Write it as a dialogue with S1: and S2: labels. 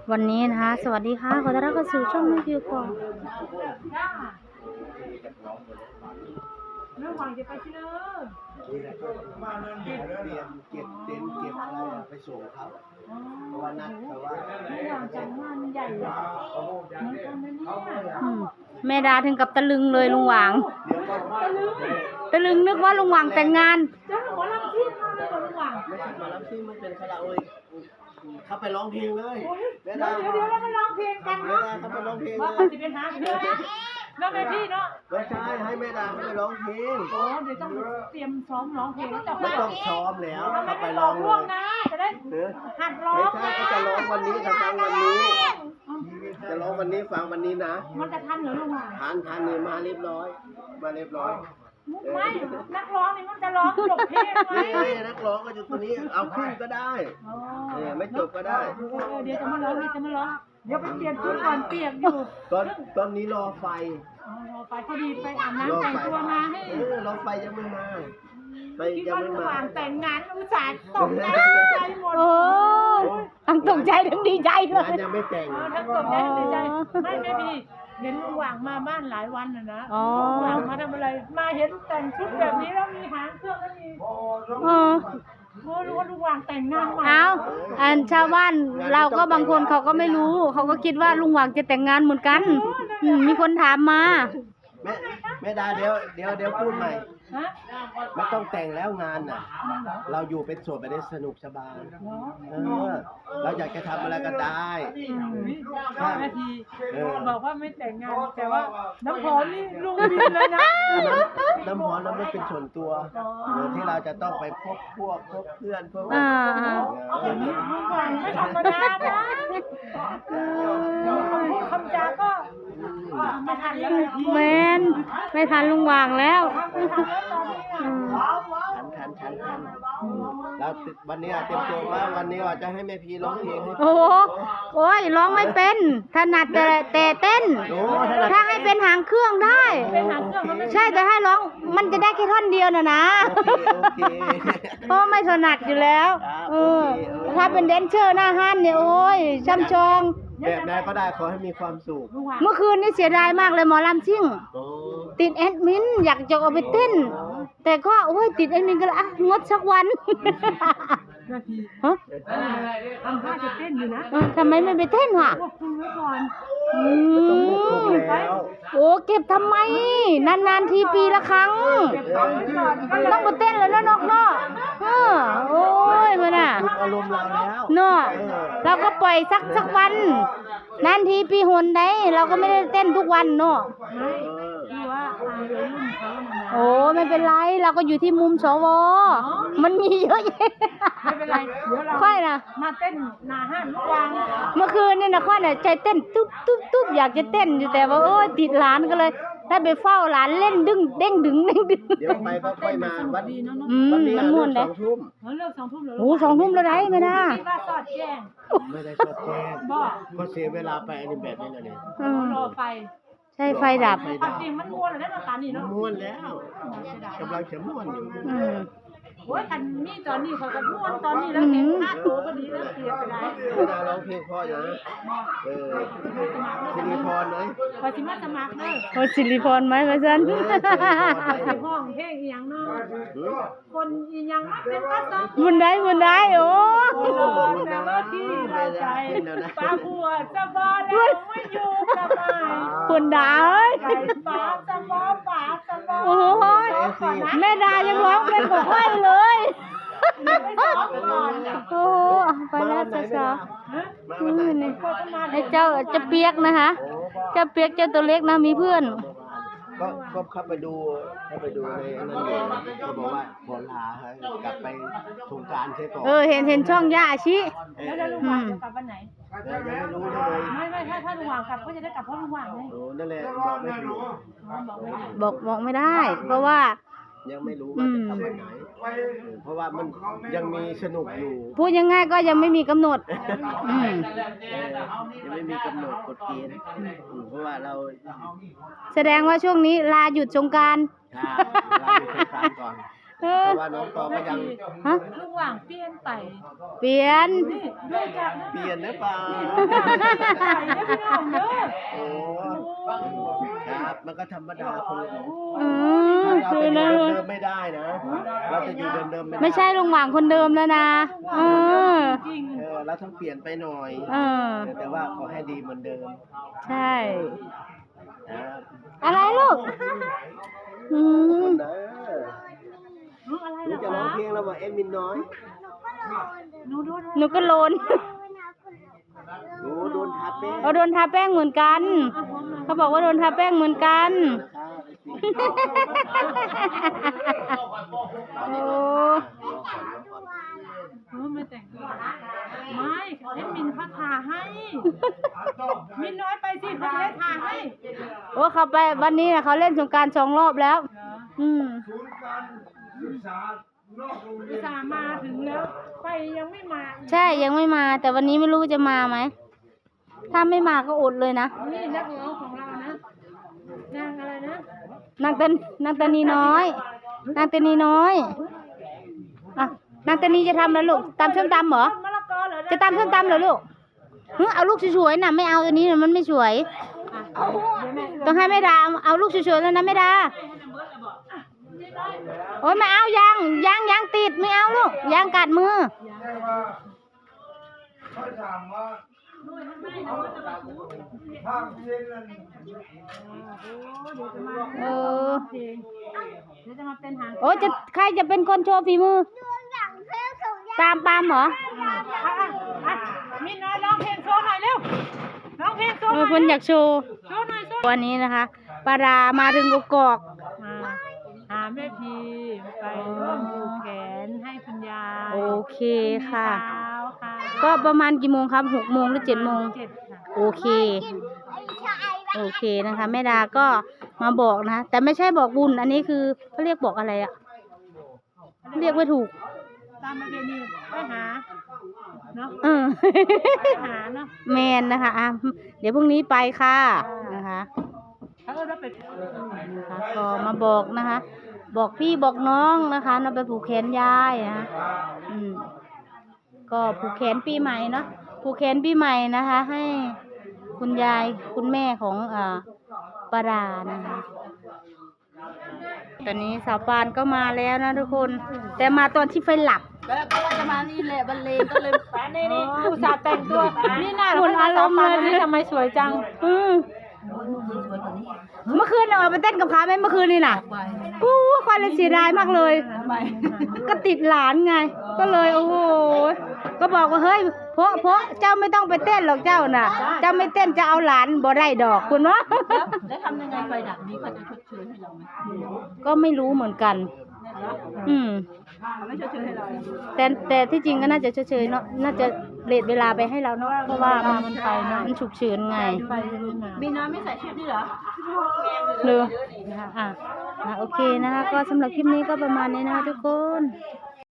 S1: วันนี้นะคะสวัสดีค่ะขอต้อนรับเข้าสู่ช่องแม่พิวก่อน
S2: เรื่องหวังจะไปที่เนอะ
S3: นี่แหละก็เตรียมเก็บเต็นท์เก็บอะไรไปส่งเขาเพราะว่านัดแต่ว่า
S2: เรื่องหวังจังงานใหญ่เหมือนกันนะเนี่ย
S1: แม่ดาถึงกับตะลึงเลยลุงหวางตะลึงนึกว่าลุงหวางแต่งงาน
S2: จ้าหมอลำที่มาเลยหรือหวัง
S3: ไม่ใช่มารับที่มันเป็นคาราโอเกะเขาไปร้องเพลงเลย
S2: เดี๋ยวเรามาร้องเพลงกันเนาะ
S3: เขาไปร้องเพลงเล
S2: ว่าย จะเป็นหาเพื่อนน้องแม่พี่เนาะ
S3: ไม่ใช่ให้แม่ดาเขาไปร้องเพลง
S2: โอ้เดี๋ยวต้องเตรียมซ้อมร้องเพลงแล้วจะ
S3: ไม่ต้องซ้อมแล้วเขาไปร้
S2: ร้
S3: อ
S2: อง ง
S3: เล
S2: ล่วง
S3: ย
S2: นะจะได้หัดร้อ
S3: ไม่
S2: ง
S3: ใช่ก็จะร้องวันนี้กับฟังวันนี้จะร้องวันนี้ฟังวันนี้นะ
S2: มันจะทันเหรอลุงหวัง
S3: ทานนี่มาเรียบร้อยมาเรียบร้อย
S2: ไม่นักร้องนี่มันจะร้องจบเพลงไหม
S3: นักร้องก็อยู่ตรงนี้เอาขึ้นก็ได้ไม่จบก็ได้
S2: เดี๋ยวจะมาร้องเดี๋ยวไปเปลี่ยนชุดก่อนเปียกอยู่
S3: ตอนนี้รอไฟ
S2: รอไฟพอดีไปอาบน้ำแต่งตัวมาให้
S3: รอไฟยังไม่มาไฟ
S2: ยังไม่มาแต่งงานอุตส่าห์ตกใจหมด
S1: ทั้งตกใจทั้งดีใจเลย
S3: ยังไม่แต่ง
S2: ทั้งตกใจทั้งดีใจไม่พี่เห็นลุงหว่างมาบ้านหลายวันนะลุงหว่างมาทำอะไรมาเห็นแต่งชุดแบบนี้แล้วมีหางเครื่องแล้วมีรู้ว่าลุงหว่างแต่งงานมา
S1: อันชาวบ้านเราก็บางคนเขาก็ไม่รู้เขาก็คิดว่าลุงหว่างจะแต่งงานเหมือนกันมีคนถามมา
S3: แม่ดาเดี๋ยวพูดใหม่ไม่ต้องแต่งแล้วงานน่ะเราอยู่เป็นโสดไปได้สนุกสบายเราอยากจะทำอะไรก็ได้
S2: แม่ทีบอกว่าไม่แต่งงานแต่ว่าน้ำหอมนี่ลุงบินเลยนะ
S3: น้ำหอมนั้นไม่เป็นส่วนตัวที่เราจะต้องไปพบพเพื่อนพวก
S2: อย่างนี้ลุงหว่างไม่ธรรมดานะคำจาก็ไม่ทันแล้ว
S1: แมนไม่ทันลุงหว่างแล้ว
S3: ทันแล้ววันนี้เตรียมตัวว่าวันนี้ว่าจะให้แม่พีร้องเพลงให้
S1: โอ้ยร้องไม่เป็นถนัดแต่เต้นถ้าให้เป็นหางเครื่องได้ใช่แต่ให้ร้องมันจะได้แค่ท่อนเดียวนะเพราะไม่ถนัดอยู่แล้วถ้าเป็นแดนเซอร์หน้าห้านเนี่ยโอ้ยช่ำชอง
S3: แบบไหนก็ได้ขอให้มีความสุข
S1: เมื่อคืนนี้เสียดายมากเลยหมอลำซิ่งติดแอดมินอยากจะเอาไปเต้นแต่ก็โอ้ยติดแอดมินก็เลยงดสักวัน
S2: ทำท่าจะเต้นอยู่นะ
S1: ทำไมไม่ไปเต้นวะ
S2: ควบคุมไว้ก่อน
S1: โอ้เก็บทำไมนานๆทีปีละครั้งต้องไปเต้นเลยนะนกเนาะโอ้ยมันน่ะ
S3: อารมณ์เราแล้ว
S1: เนาะเราก็ปล่อยสักวันนานทีปีหนได้เราก็ไม่ได้เต้นทุกวันเนาะโอ้ไม่เป็นไรเราก็อยู่ที่มุมสวมันมีเยอะแยะ
S2: ไม่เป็นไรเดี๋ยวเรา
S1: ค่อยนะ
S2: มาเต้นหน้าห้านลูกวาง
S1: เมื่อคืนนี่นะค่อยน่ะใจเต้นตุ๊บอยากจะเต้นอยู่แต่ว่าโอ้ยติดหลานก็เลยได้ไปเฝ้าหลานเล่นดึงเด้งดึง
S3: เดี๋ยวไปก็ค่อยมาวันนี้
S1: มันม่วนเลย
S2: เลิก2 ทุ่ม
S1: โอ้2 ทุ่มแล้วได้ไหมนะ
S2: ว่าสอดแจ้ง
S3: ไม่ได้สอดแจ้งก็เสียเวลาไปอันนี้แบบนี้เลย
S2: รอไฟ
S1: ใช่ไฟดับ
S2: จริงมันม้วนแล้วนะตานี่เนาะ
S3: ม้วนแล้วกำลังจะม้วนอยู่
S2: โอ้ยคันนี้ตอนนี้เขาก็ม้วนตอนนี้แล้วเห็นค่าตัวพอดีแล้วเปลี่ยนไปได้
S3: เวลาร้องเพลงพ่ออย่างนี้สิริพรไหม
S2: พอสิมาสมัครเลย
S1: พอสิริพรไหมมาซัน
S2: ห้องเพลงอีหยังเนาะคนอีหยังเป็นก็ต้อง
S1: บุญได้โอ้
S2: แต่ว่าที่เราใจปลาบัวจะบอแล้วไม่อยู่กับไม้
S1: บุญได้
S2: ปลาจะบอ
S1: โอ้ยแม่ดายังร้องเป็นของค่อยเลยโอ้ไปแล้วจ้านี่ให้เจ้าจะเปียกนะคะเจ้าเปียกเจ้าตัวเล็กนะมีเพื่อน
S3: ก็เข้าไปดูในนั้นอยู่ก็บอกว่าบอลาให้กลับไปสงกรานต์ใช่ก่อน
S1: เห็นช่องย่าชิ
S2: แล้วลุงหว่างจะกลับวันไหน
S3: ยังไม่รู้เลย
S2: ไม่ถ้าลุงหว่างกลับก็จะได้กลับเพราะลุงหว่างไง
S3: นั่นแหละบอกไม่ถูก
S1: บอกไม่ได้เพราะว่า
S3: ยังไม่รู้ว่าจะทำวันไหนเพราะว่ามันยังมีสนุกอยู่
S1: พูดยังไงก็ยังไม่มีกำหนด
S3: ยังไม่มีกำหนดกฎเกณฑ์เพราะว่าเรา
S1: แสดงว่าช่วงนี้ลาหยุดสงกรานต์
S3: ลาหยุดสงกรานต์ก่อนเพราะว่าน้องตองก็ยัง
S1: ฮะ
S2: ลุงหว่างเปลี่ยนไป
S1: เปลี่ยน
S2: นี่ดูจากนั้น
S3: เปลี่ยนหรือเปล่า
S2: ใส่ได้พี่น้องเด้อ
S3: โอ้ครับมันก็ธรรมดาคน
S1: อืม
S3: เรา
S1: คือ
S3: จะ
S1: นะ
S3: อยู่เดิมๆไม่ได้นะ เราจะอยู่เดิมๆไม่ได้
S1: ไม่ใช่ลุงหว่างคนเดิมแล้วนะเออ
S2: จริง
S3: เราต้องเปลี่ยนไปหน่อย
S1: เออ
S3: แต่ว่าขอให้ดีเหมือนเดิม
S1: ใช่
S3: นะครับ
S1: อะไรลูก อืม
S3: นะ
S2: อะไร
S3: หนู
S2: เหรอ
S3: จะร้อง
S2: คะ
S3: เพลงแล้วบอกเอ็มมินน้อย
S2: หนูดู
S1: หนูก็โลน
S3: หนูโดนทับแม่
S1: เขาโดนทาแป้งเหมือนกัน เขาบอกว่าโดนทาแป้งเหมือนกัน โอ้
S2: ไม่แต่งไม่ให้มินเขาทาให้ มินน้อยไปสิเขาจะได้ทาให้
S1: โอ้เขาไปวันนี้นะเขาเล่นสงกรานต์2 รอบแล้ว อืม
S2: อุตส่าห์มาถึงแล้วไปยังไม่มา
S1: ใช่ยังไม่มา แต่วันนี้ไม่รู้จะมาไหม ถ้าไม่มาก็อดเลยนะ
S2: นี่นักร้องของเรานะนางอะไรนะ
S1: นางตานีน้อย นางตานีน้อยอ่ะนางตานีจะทำแล้วลูกตำส้มตำเหรอ
S2: มะละกอเหรอ
S1: จะตำส้มตำเหรอลูกเอาลูกสวยๆน่ะไม่เอาอันนี้น่ะมันไม่สวย ต้องให้แม่ดาเอาลูกสวยๆแล้วนะแม่ดาโอ้ยไม่เอายางติดไม่เอาลูกยางกัดมือเออ
S2: เดี๋ยวจะมาเป็นหาง
S1: โอ้จะใครจะเป็นคนโชว์ฝีมือตามปามเหรอ
S2: มินน้อยร้องเพลงโชว์หน่อยเร็วร้องเพลงโชว์หน่อย
S1: คนอยากโชว์
S2: โชว์หน่อยโชว์
S1: วันนี้นะคะปลาดามาถึงกกอก
S2: หาแม่พีไปร่วมผูกแขนให้คุณยาย
S1: โอเคค่ะ
S2: เช้าค่ะ
S1: ก็ประมาณกี่โมงครับ6 โมงหรือ7 โมง
S2: 7ค่ะ
S1: โอเค โอเคนะคะแม่ดาก็มาบอกนะ แต่ไม่ใช่บอกบุญ อันนี้คือเขาเรียกบอกอะไรอะเรียกไม่ถูก
S2: ตามประเพณีไปหาเนาะ
S1: เออ
S2: ไปหาเนาะ
S1: แมนนะคะอ่ะเดี๋ยวพรุ่งนี้ไปค่ะนะคะ
S2: เขาก็ไป
S1: นะคะก็มาบอกนะคะ บอกพี่บอกน้องนะคะเราไปผูกแขนยายนะก็ผูกแขนปีใหม่เนาะผูกแขนปีใหม่นะคะ ให้คุณยายคุณแม่ของปารานะคะ ตอนนี้สาวปานก็มาแล้วนะทุกคน แต่มาตอนที่ไฟหลับ
S4: แล้วก็จะมานี่แหละบรรเลงก็เลยไปนี่
S2: อุตส่าห์แต่งตัวนี่น่า
S1: หมุนอารมณ์เลย
S2: นี่ทำไมสวยจัง
S1: เมื่อคืนเราเอาไปเต้นกับเขาไหมเมื่อคืนนี่น่ะอู้ควายเลยเสียดายมากเลย ก็ติดหลานไง ก็เลยโอ้โหก็บอกว่าเฮ้ยเพราะเจ้าไม่ต้องไปเต้นหรอกเจ้าน่ะ เจ้าไม่เต้นจะเอาหลานบ่ได้ดอกคุณวะ
S4: แล้วทำยังไงไฟดับนี้เขาจะชดเชยให้เราไหม
S1: ก็ไม่รู้เหมือนกัน
S4: เขาไม่ชดเชยให้เรา
S1: แต่ที่จริงก็น่าจะเฉยๆเนาะ น่าจะเลทเวลาไปให้เราเนาะ เพราะว่ามันไปเนาะมันฉุกเฉินไง
S2: ไปรุ่นมา
S4: มีน้ำไม่ใส่ชุดนี่เหรอ
S1: เลยนะคะโอเคนะคะ ก็สำหรับคลิปนี้ก็ประมาณนี้นะคะทุกคน
S2: ค